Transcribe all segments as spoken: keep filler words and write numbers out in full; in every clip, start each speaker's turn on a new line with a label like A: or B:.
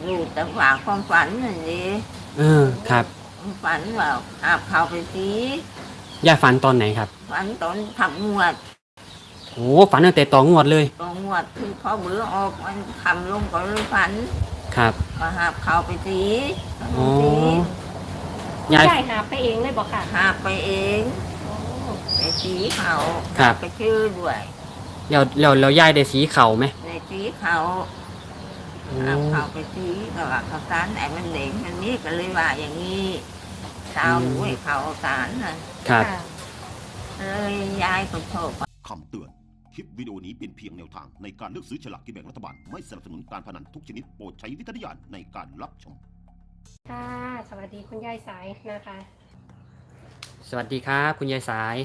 A: รู้แต่ว่าความฝันนั่นเอง
B: เออครับ
A: ฝันว่าหาบเขาไปสี
B: ยายฝันตอนไหนครับ
A: ฝันตอนทำงวด
B: โอ้ฝันตั้งแต่ต่องวดเลย
A: ตอนงวดคือพอเบื่อออกมันทำลงก็เลยฝัน
B: ครับ
A: ว่าหาบเขาไปสี
B: อ๋อยาย
C: ยายหาไปเองเลยบอกค่ะ
A: หาบไปเองไปสีเขาไปชื่อด้วย
B: แล้วแล้วแล้วยายได้สีเข่าไหม
A: ในสีเขาหาบเขาไปสีก็ว่าเขาสารไอ้มันเหลงมันนี้ก็เลยว่าอย่างนี้เช้าหนูให้เขาสารนะครับเลยยายก็โชค
D: คำเตือนคลิปวิดีโอนี้เป็นเพียงแนวทางในการเลือกซื้อฉลากกินแบ่งรัฐบาลไม่สนับสนุนการพนันทุกชนิดโปรดใช้วิจารณญาณในการรับชม
C: ค่ะสวัสดีคุณยายสายนะคะ
B: สวัสดีครับคุณยายสาย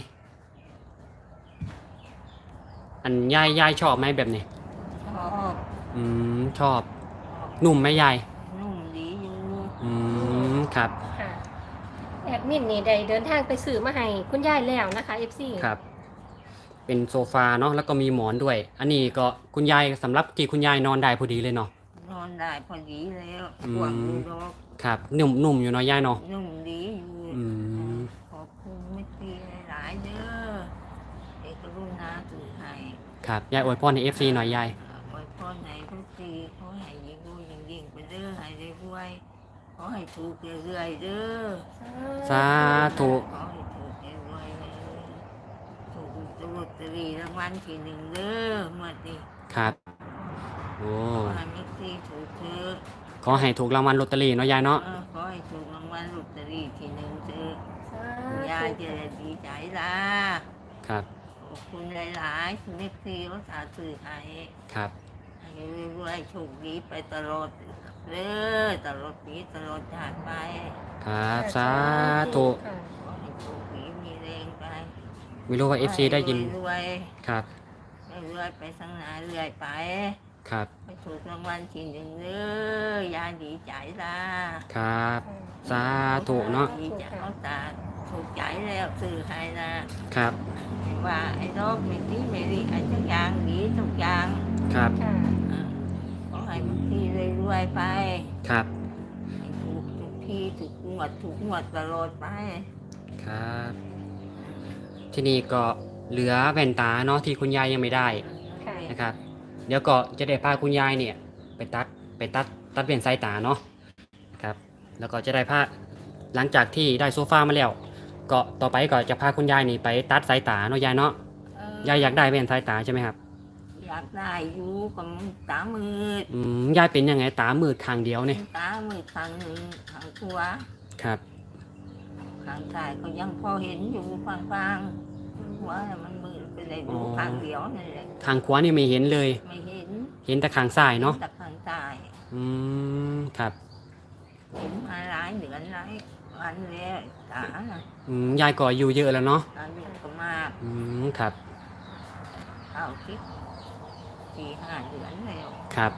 B: อันยายยายชอบไหมแบบนี้
A: ชอบ
B: อืมชอบนุ่มไหมยาย
A: นุ่มดีอยู่
B: อืมครับ
C: ค่ะแอดมินนี่ได้เดินทางไปซื้อมาให้คุณยายแล้วนะคะ เอฟ ซี
B: ครับเป็นโซฟาเนาะแล้วก็มีหมอนด้วยอันนี้ก็คุณยายสำหรับที่คุณยายนอนได้พอดีเลยเนาะ
A: นอนได้พอดีแล้วห่วงดูดอก
B: ครับนุ่มนุ่มอยู่เนาะยายเนาะ
A: นุ่มดีอยู่
B: อืม
A: ขอบคุณไม่ตีหลายเด้อเอกรุณาตื่นให้
B: ครับยายอวยพรใน เอฟ ซี หน่อยยาย
A: อวยพรไหนทุกทีขอให้ยิ่งดูยิ่งยิ่งไปเด้อให้ได้รวยขอให้ถูกเรื่อยๆเด้อ
B: สาธุ
A: ขอให้ถูกรวยถูกลอตเตอรี่รางวัลที่หนึ่งเด้อเมื่อนี้
B: ครับโอ้
A: ขอให้ไม่ตีถูกเถอะ
B: ขอให้ถูกรางวัลลอตเตอรี่เนาะยายเนาะ
A: ขอให้ถูกรางวัลลอตเตอรี่ที่หนึ่งเถอะยายจะดีใจละ
B: ครับ
A: ขอบคุณหลายๆคุณเล็กซีรักษาสื่อให้
B: ครับ
A: ให้รวยๆโชคดีไปตลอดเลยตลอดปีตลอดชาติไป
B: ครับสาธุ
A: ขอให้โชคดีมีแรงไป
B: ไม่รู้ว่า เอฟ ซี ได้ยิน
A: รวย
B: ครับ
A: รวยไปสังหนาเรื่อยไป
B: ครับ
A: ไปถูกรางวัลที่หนึ่งเลยยายดีใจละ
B: ครับสาธุเนาะ
A: ดีใจเขาตาถูกใจแล้วสื่อให้นะครับว่าไอ้โรคไม่ดีไม่ดีไอ้ทุกอย่างดีทุกอย่าง
B: ครับ
A: ขอให้บางทีรวยๆไป
B: ครับ
A: ให้ถูกทุกทีถูกงวดถูกงวดตลอดไป
B: ครับที่นี่ก็เหลือแว่นตาเนาะที่คุณยายยังไม่ได้นะครับเดี๋ยวก็จะได้พาคุณยายเนี่ยไปตัดไปตัดตัดเปลี่ยนสายตาเนาะครับแล้วก็จะได้พาหลังจากที่ได้โซฟามาแล้วก็ต่อไปก็จะพาคุณยายนี่ไปตัดสายตาเนาะยายเนาะยายอยากได้แว่นสายตาใช่ไหมครับ
A: อยากได้อยู่กับตามืด
B: อืมยายเป็นยังไงตามืดข้างเดียวเนี่ย
A: ตามืดข้างหนึ่งข้างขวา
B: ครับ
A: ข้างซ้ายก็ยังพอเห็นอยู่ฟางๆหัวมันมืดไปเลยดูข้างเดียวนี่แหละ
B: ข้างขวานี่ไม่เห็นเลย
A: ไม่เห็น
B: เห็นแต่ข้างซ้ายเนาะ
A: แต่ข้างซ้าย
B: อืมครับ
A: เห็นมาหลายเดือนหลายวันแล้วตา
B: อืมยายก็อายุเยอะแล้วเนาะ
A: อายุก็มาก
B: อืมครับ
A: เข้าคิดสี่ห้าเดือนแล้ว
B: ครับ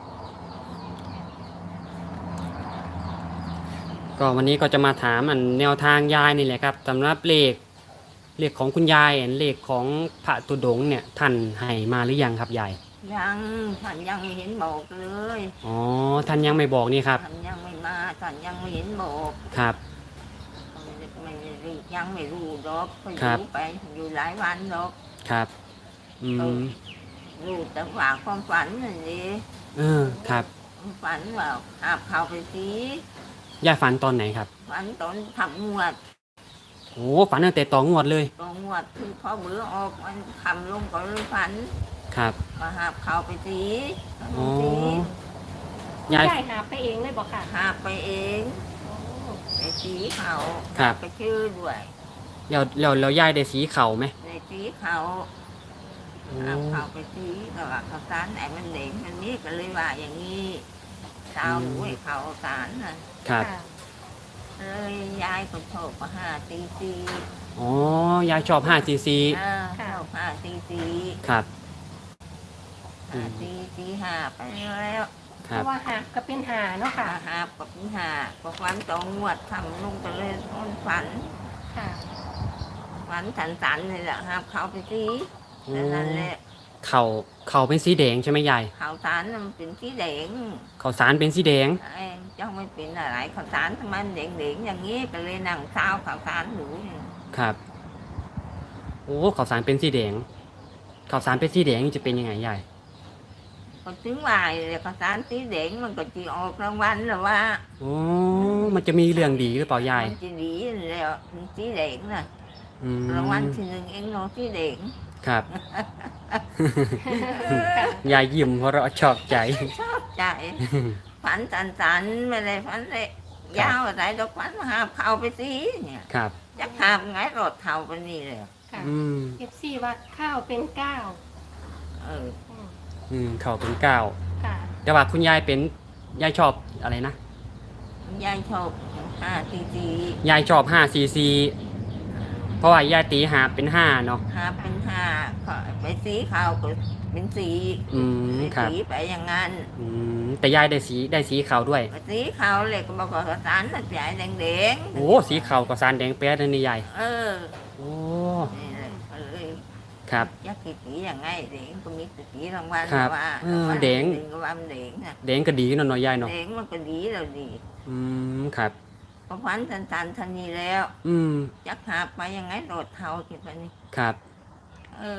B: ก็วันนี้ก็จะมาถามอันแนวทางยายนี่แหละครับสำหรับเลขเลขของคุณยายเลขของพระตุดงเนี่ยท่านให้มาหรือยังครับยาย
A: ยังท่านยังไม่เห็นบอกเลย
B: อ๋อท่านยังไม่บอกนี่ครับ
A: ท่านยังไม่มาท่านยังไม่เห็นบอก
B: ครับ
A: ไม่ยังไม่รู้ดอกก็อยู่ไปอยู่หลายวันดอก
B: ครับอืม
A: รู้แต่ว่าความฝันนั่นเอง
B: เออครับ
A: ฝันว่าหาบเขาไปสี
B: ยายฝันตอนไหนครับ
A: ฝันตอนทำงวด
B: โอ้ฝันตั้งแต่ต่องวดเลย
A: ต่องวดคือพอเบื่อออกมันทำลงก็เลยฝัน
B: ครับ
A: มาหาบเขาไปสี
B: อ๋
C: อยายหาไปเองเลยบอกค่ะ
A: หาไปเองในสีเขาไปชื่อด้วย
B: แล้วแล้วแล้วยายได้สีเข่าไหม
A: ในสีเขาหาบเขาไปสีก็ว่าเขาสารไอ้มันเหลงมันนี้ก็เลยว่าอย่างนี้เช้าหนูให้เขาสารนะครับเลยยายก็ชอบห้าตีซี
B: อ๋อยายชอบห้าซีซี
A: ชอบห้าตีซี
B: ครับ
A: ห้าตีซีห้าไปแล้ว
C: เพราะว่าหาบก็เป็นหาเนาะค่ะ
A: หาบก็เป็นหาพอฝันตองงวดทำลุงก็เลยนฝันฝันสันๆเลยแหละหาบเขาไปซีนั่นแหละ
B: เขาเขาเป็นสีแดงใช่ไหมยาย
A: ข้าวสารมันเป็นสีแดง
B: เขาสารเป็นสีแดง
A: ไอ้เจ้าไม่เป็นอะไรข้าวสารทำไมมันแดงๆอย่างนี้ก็เลยนั่งเช้าข้าวสารหนูเนี่ย
B: ครับโอ้เขาสารเป็นสีแดงเขาสารเป็นสีแดงนี่จะเป็นยังไงยาย
A: ก็ถึงว่าเลยข้าวสารสีแดงมันก็จีออกรางวัลหรือว่า
B: โอ้มันจะมีเรื่องดีหรือเปล่ายาย
A: มันจะดีแล้วสีแดงน่ะ
B: อืม
A: รางวัลที่หนึ่งเองเนาะสีแดง
B: ครับ
C: ค่ะ
B: ยายยิ้มเพราะเราะชอบใจ
A: ชอบใจฝันสันๆไม่ได้ฝันเลยยาวอะไรดอกฝันหาบเข่าไปสิเนี่ย
B: ครับ
A: จะหาบไงรถเท่าไปนี่เลย
C: ค่ะ
B: อืม
C: เอฟซีว่าข้าวเป็นเก้า
A: เออ
C: อืม
B: อืมเขาเป็นเก้า
C: ค่ะ
B: แต่ว่าคุณยายเป็นยายชอบอะไรนะ
A: ยายชอบห้าซีซี
B: ยายชอบห้าซีซีเพราะว่ายายตีหาเป็นห้าเนาะ
A: หาเป็นห้าก็ไปสีขาวก็เป็นสี
B: อืมครับ
A: สีไปอย่างนั้น
B: อืมแต่ยายได้สีได้สีขาวด้วย
A: สีขาวเลยก็บอกว่าสารมันใหญ่แดงๆ
B: โอ้สีขาวกับสารแดงแป๊ดเลยนี่ยาย
A: เออ
B: โอ้
A: นี่เลยก็เลย
B: ครับ
A: ยักษ์สีอย่างไงแดงก็มีสีรางวัล
B: ครับ
A: ว่า
B: เออ
A: รางวัล
B: แดง
A: หนึ่ก็ว่ามันแดงน่ะ
B: แดงก็ดีเนาะเนาะยายเนาะ
A: แดงมันก็ดีเราดี
B: อืมครับ
A: พอฟันสันสันทันนี้แล้ว
B: อืม
A: ยักษ์หาบไปยังไงโดดเท้าคิดไปนี่
B: ครับ
A: เออ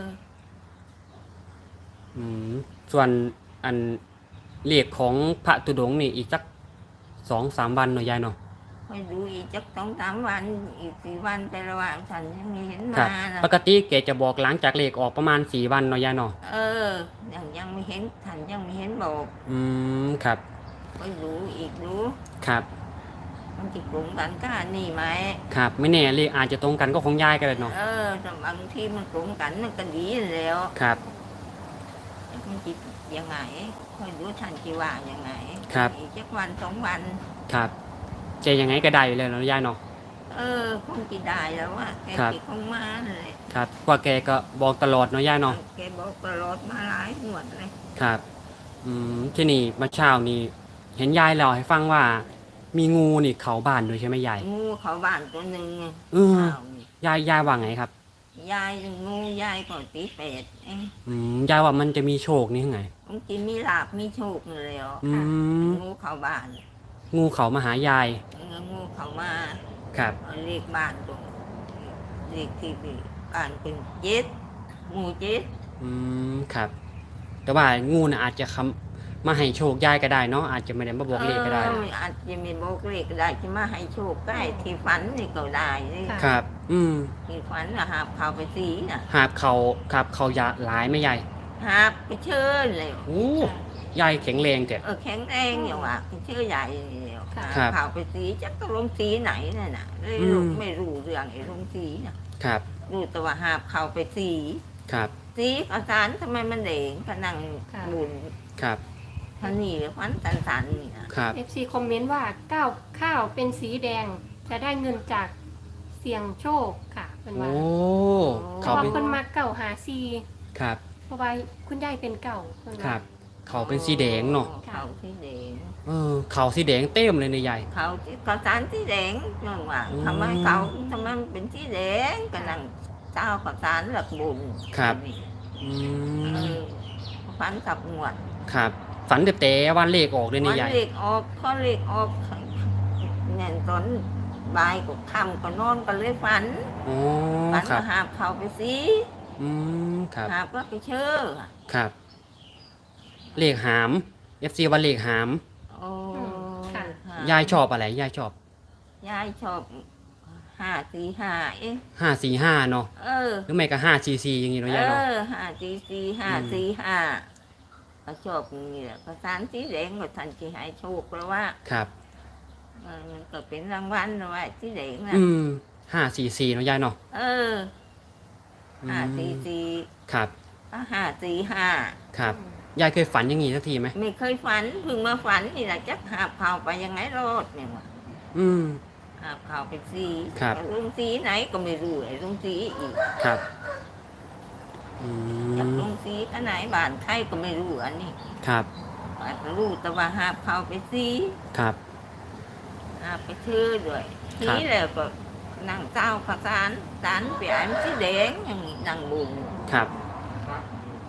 B: อืมส่วนอันเลขของพระตุดงค์นี่อีกสักสองสามวันเนาะยายเนาะ
A: คอยดูอีกจักสองสามวันอีกสี่วันแต่ละวันฉันยังไม่เห็น
B: ครั
A: มา
B: บ
A: นะ
B: ปกติแกจะบอกหลังจากเลขออกประมาณสี่วันเนาะยายเนาะ
A: เออยังยังไม่เห็นฉันยังไม่เห็นบอก
B: อืมครับ
A: คอยดูอีกดู
B: ครับ
A: มันจะกลุ่มกันก็นี่ไหม
B: ครับไม่แน่เลขอาจจะตรงกันก็ของยายก็ได้เนาะ
A: เออแต่บางทีมันกลุ่มกันมันก็ดีแล้ว
B: ครับ
A: มันจิยังไงคอยดูฉันจีว่ายังไง
B: ครับ
A: อีกจักวันสองวัน
B: ครับจะยังไงก็ได้อยู่แล้วเนาะยายเนาะ
A: เออคงจะได้แล้วว่าแก
B: ครับ
A: ติดคงมาเลย
B: ครับกว่าแกก็บอกตลอดเนาะยายเนาะ
A: แกบอกตลอดมาหลายหวดเลย
B: ครับอืมที่นี่เมื่อเช้านี่เห็นยายเล่าให้ฟังว่า มีงูนี่เขาบ้านด้วยใช่ไหมยาย
A: งูเขาบ้านตัวหนึ่ง
B: เออ
A: ข้าวนี่
B: ยายยายว่าไงครับ
A: ยายงูยายก็ตีเป็ดเอง
B: อืมยายว่ามันจะมีโชคนี่ไง
A: บางทีมีลาบมีโชคเลย
B: อืม
A: งูเขาบ้าน
B: งูเขามาหายาย
A: งูเขามา
B: ครับ
A: เรียกบ้านตรงเรียกที่บ้านเป็นเจ็ดงูเจ็ด
B: อืมครับ แต่ว่างูน่ะอาจจะคำมาให้โชคยายก็ได้เนาะอาจจะไม่ได้มาบอกเลขก็ได้
A: เอออาจจะมีบอกเลขก็ได้ที่มาให้โชคใกล้ที่ฝันนี่ก็ได้นี่
C: ค่ะ
B: ครับ อืม
A: ที่ฝันนะหาบเขาไปสีน่ะ
B: หาบเขาครับเขายาหลายไหม่ยาย
A: หาบไปเชิญเลย
B: โอ้ยายแข็งแรงแต่
A: เออแข็งแรงอย่างว่าไปเชื่อใหญ่เลย
C: ค่ะ
A: หา
B: ครับ
A: เขาไปสีจะต้องลงสีไหนน่ะน่ะเลย
B: อืม
A: ไม่รู้เรื่องไอ้ลงสีน่ะ
B: ครับ
A: รู้แต่ว่าหาบเขาไปสี
B: ครับ
A: สีข้าวสารทำไมมันเด่งพนัง
C: ค่ะ
A: บุญ
B: ครับ
A: ท่านี่หรือฟันสันสันๆนี่นะครับ
C: เอฟซีคอมเมนต์ว่าก้าวข้าวเป็นสีแดง จะได้เงินจากเสี่ยงโชคค่ะเป็น
B: โอ้
C: ว่าเพ
B: เขา
C: ราะว่า
B: เป็น
C: คนมาเก่าหาซี
B: ครับ
C: เพราะว่าคุณยายเป็นเก่าเพิ่น
B: ค
C: ว่า
B: รับ เขาเป็นสีแดงเนาะ
A: เขาสีแดง
B: เออเขาสีแดงเต็มเลยในยาย
A: เขาที่ข้าวสารสีแดงจังว่า
B: อืม
A: ทำไมเขาทำไมมันเป็นสีแดงก็นั่งเจ้าข้าวสารหลักบุญ
B: ครับ
A: นี่
B: อื
A: เอ
B: ม
A: อฟันกับหนวด
B: ครับ ฝันแต่แต่วันเลขออกเลย
A: มั
B: นี่
A: น
B: ยาย
A: เล็กออกเขาเล็กออกเนี่ยตอนบ่ายก็ค่ำก็นอนก็เลยฝัน
B: โอ้
A: ฝัน
B: ครั
A: ก็
B: บ
A: หาบเขาไปสิ
B: อืมครับ
A: หาบก็ไปเชื่อ
B: ครับ เลขหาม เอฟ ซี ว่าเลขหาม
A: โอ้
C: ค่ะ
B: ยายชอบอะไร ยายชอบ
A: ยายชอบห้าสี่ห้าเอ๊ะ
B: ห้าสี่ห้าเนาะ
A: เออ
B: หรือไม่ก็ห้าสี่สี่อย่างงี้เนาะ
A: เอย
B: ายเนาะ
A: อห้าสี่สี่ห้าสี่ห้าเขาชอบอย่างนี่แหละภาษาสีแดงก็ทันที่หายโชคแล้วว่า
B: ครับ
A: เออมันก็เป็นรางวัลนะว่าสีแดงนะ
B: อืมห้าสี่สี่เนาะยายเนาะ
A: เออ
B: อืม
A: ห้าสี่สี่
B: ครับ
A: ก็ห้าสี่ห้า
B: ครับ ยายเคยฝันอย่างงี้สักทีไหม
A: ไม่เคยฝันเพิ่งมาฝันนี่แหละจักหาบข่าวไปยังไงรอดเนี่ยว่ะ
B: อืม
A: หาบข่าวไปสี
B: ครับ
A: ลุงสีไหนก็ไม่รู้ไอ้ลุงสีอีก
B: ครับ อื
A: จาก
B: ม
A: ลุงสีอันไหนบ้านใครก็ไม่รู้อันนี้
B: ครับ
A: อาจจะรู้แต่ว่าหาบข่าวไปสี
B: ครับ
A: หาบไปชื่อด้วย
B: ครั
A: สี
B: บ
A: แล้วก็นั่งเจ้าข้าวสารสารเปียมสีแดงอย่างนี้นั่งบุญ
B: ครับ
A: ห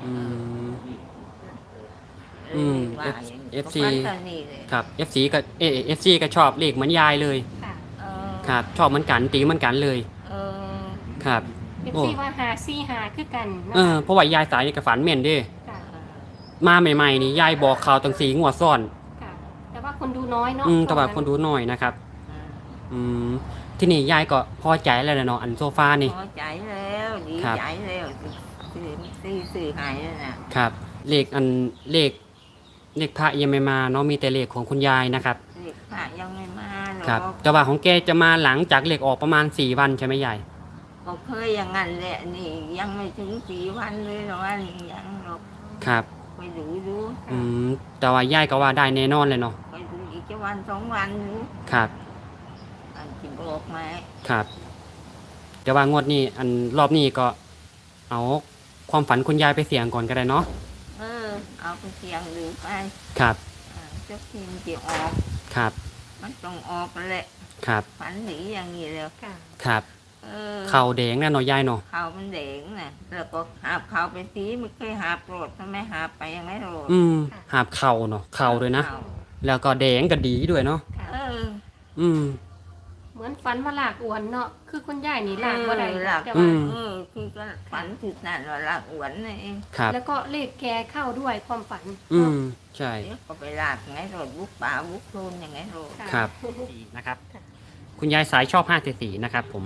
B: อืม อืม
A: ว่าอย่างนี้
B: เอฟซี
A: ก็ฝันตอนนี้เลย
B: ครับ เอฟ ซี ก็เอเอฟซีก็ชอบเลขเหมือนยายเลย
C: ค่ะ
A: เออ
B: ครับชอบเหมือนกันตีเหมือนกันเลย
A: เออ
B: ครับ
C: เอฟ
B: โอ้
C: ซีว่าหาซี่หาคือกันนะ
B: เออ
C: คะ
B: เพราะว่ายายสายนี่ก็ฝันแม่นเด้
C: ค่ะ
B: มาใหม่ๆนี่ยายบอกข่าวตั้งสีงวดซ้อน
C: ค่ะ แต่ว่าคนดูน้อยเนาะ
B: อืมแต่ว่าคนดูน้อยนะครับ อืมที่นี่ยายก็พอใจแล้วแหละเนาะอันโซฟานี่
A: พอใจแล้วดี
B: ครับ
A: ใจแล้วสื่อสื่อสื่อหายแล้วนะครับ
B: เลขอันเลขเลขพระยังไม่มาเนาะมีแต่เลขของคุณยายนะครับ
A: เด็กพระยังไม่มาหร
B: ครับ
A: อก
B: แต่ว่าของแกจะมาหลังจากเลขออกประมาณสี่วันใช่ไหมยาย
A: ก็เคยอย่างนั้นแหละนี่ยังไม่ถึงสี่วันเลยหรอกว่ายังหรอก
B: ครับ
A: ไปดูดู
B: อืมแต่ว่ายายก็ว่าได้แน่นอนเลยเนาะ
A: ไปดูอีกจะวันสองวันดู
B: ครับ
A: อันที่บอกไหม
B: ครับแต่ว่างวดนี้อันรอบนี้ก็เอาความฝันคุณยายไปเสี่ยงก่อนก็ได้เนาะ
A: เออเอาไปเสียงดูไป
B: ครับ
A: อ่าเจ้าทีมจะออก
B: ครับ
A: มันต้องออกแหละ
B: ครับ
A: ฝันหนีอย่างนี้แล้ว
C: ค่ะ
B: ครับ
A: เออ
B: เข่าแดงแน่เนอนยายเนาะ
A: เขามันแดงน่ะแล้วก็หาบเขาไปสีไม่เคยหาบโรดทำไมหาบไปยังไงโรด
B: อืมหาบเข่าเนาะเข่าด้วยนะ
A: ข่
B: แล้วก็แดงก็ดีด้วยเนาะ
C: ค่ะ
A: เออ
B: อืม
C: เหมือนฝันว่าหลากอวนเนาะ คือคุณยายนี่หลากบ่ได้
A: เออหลาก
C: แต่
B: อื
C: ว่า
B: ม
A: เออคือก็ฝันถึงนั่นว่าลากอวนนั่นเอง
B: ครับ
C: แล้วก็เลขแกเข้าด้วยความฝัน
B: อืมใช่
A: เดี๋ยวก็ไปลากไงโรดบุกป่าบุกโคลนยังไงโรด
C: ค่ะ
B: ครับนะครับ คุณยายสายชอบห้าสี่สี่นะครับผม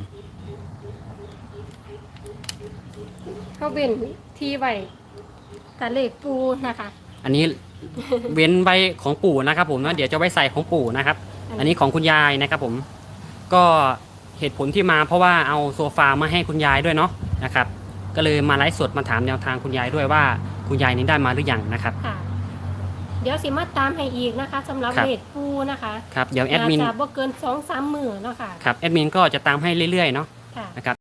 C: เขาเป็นที่ไว้ตะเลขปูนะคะ
B: อันนี้ เว้นไว้ของปู่นะครับผมนะเดี๋ยวจะไว้ใส่ของปู่นะครับ อันนี้ของคุณยายนะครับผม ก็เหตุผลที่มาเพราะว่าเอาโซฟามาให้คุณยายด้วยเนาะนะครับ ก็เลยมาไลฟ์สดมาถามแนวทางคุณยายด้วยว่าคุณยายนี้ได้มาหรือยังนะครับ
C: ค่ะ เดี๋ยวสิมาตามให้อีกนะคะสำหรับ
B: ครับ
C: เลขปูนะคะ
B: ครับเดี๋ยวแอดมิน
C: าจะบ่เกินสองสามหมื่นเนาะค่ะ
B: ครับแอดมินก็จะตามให้เรื่อยๆเนาะ
C: ค่ะ
B: นะครับ